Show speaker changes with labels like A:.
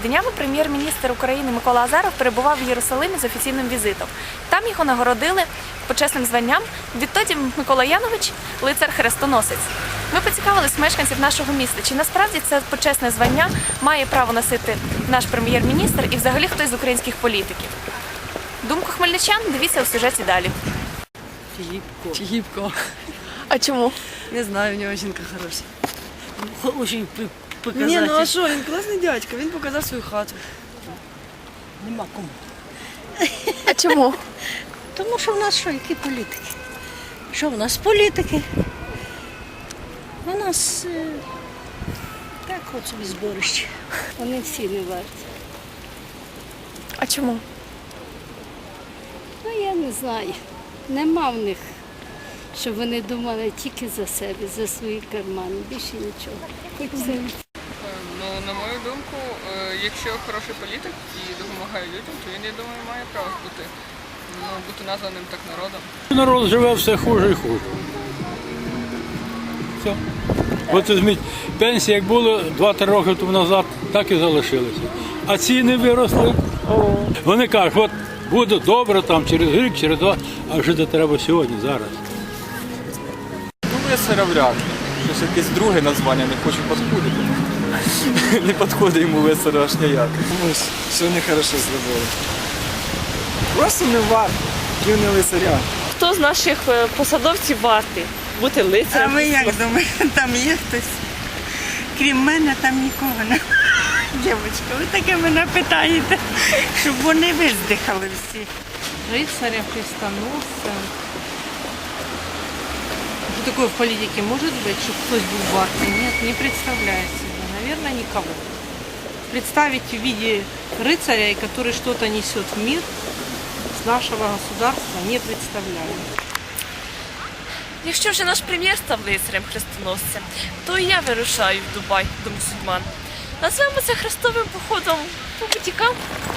A: Днями прем'єр-міністр України Микола Азаров перебував в Єрусалимі з офіційним візитом. Там його нагородили почесним званням відтоді Микола Янович – лицар-хрестоносець. Ми поцікавились мешканців нашого міста, чи насправді це почесне звання має право носити наш прем'єр-міністр і взагалі хтось з українських політиків. Думку хмельничан дивіться у сюжеті далі.
B: Филипко.
A: А чому?
B: Не знаю, у него жінка хороша. Очень показатель.
C: Ні, ну а що, він класний дядько, він показав свою хату.
B: Нема кому.
A: А чому?
D: Тому що в нас що, які політики? Що в нас політики? У нас так от собі зборище. Вони всі не варті.
A: А чому?
D: Ну я не знаю. Нема в них, щоб вони думали тільки за себе, за свої кармани. Більше нічого. Хоч це.
E: Ну, на мою думку, якщо хороший політик і допомагає людям, то він, я думаю, має право бути названим так народом.
F: Народ живе все хуже і хуже. Все. От візьміть, пенсії, як було 2-3 роки тому назад, так і залишилися. А ціни виросли. Вони кажуть, от буде добре там через рік, через 2, а жити треба сьогодні, зараз.
G: Ну, лицаря вряд ли. Щось якесь друге названня, не хочу підходити. Не підходить йому лицаря аж ніяк.
C: Комусь сьогодні хорошо зробили. Просто не варто, пів не лицаря.
H: Хто з наших посадовців вартий бути
I: А
H: лицарем?
I: ви як думаєте, там є хтось? Крім мене, там нікого немає. Дівчатка, ви таке мене питаєте, щоб вони виздихали всі.
J: Рыцарем, крестоносцем. Что такое в политике может быть, чтобы кто-то был вартый? Нет, не представляю себе. Наверное, никого. Представить в виде рыцаря, который что-то несет в мир с нашего государства, не представляю.
A: Якщо вже наш прем'єр став лицарем-хрестоносцем, то і я вирушаю в Дубай до мусульман. Назвемо це хрестовим походом по бутікам.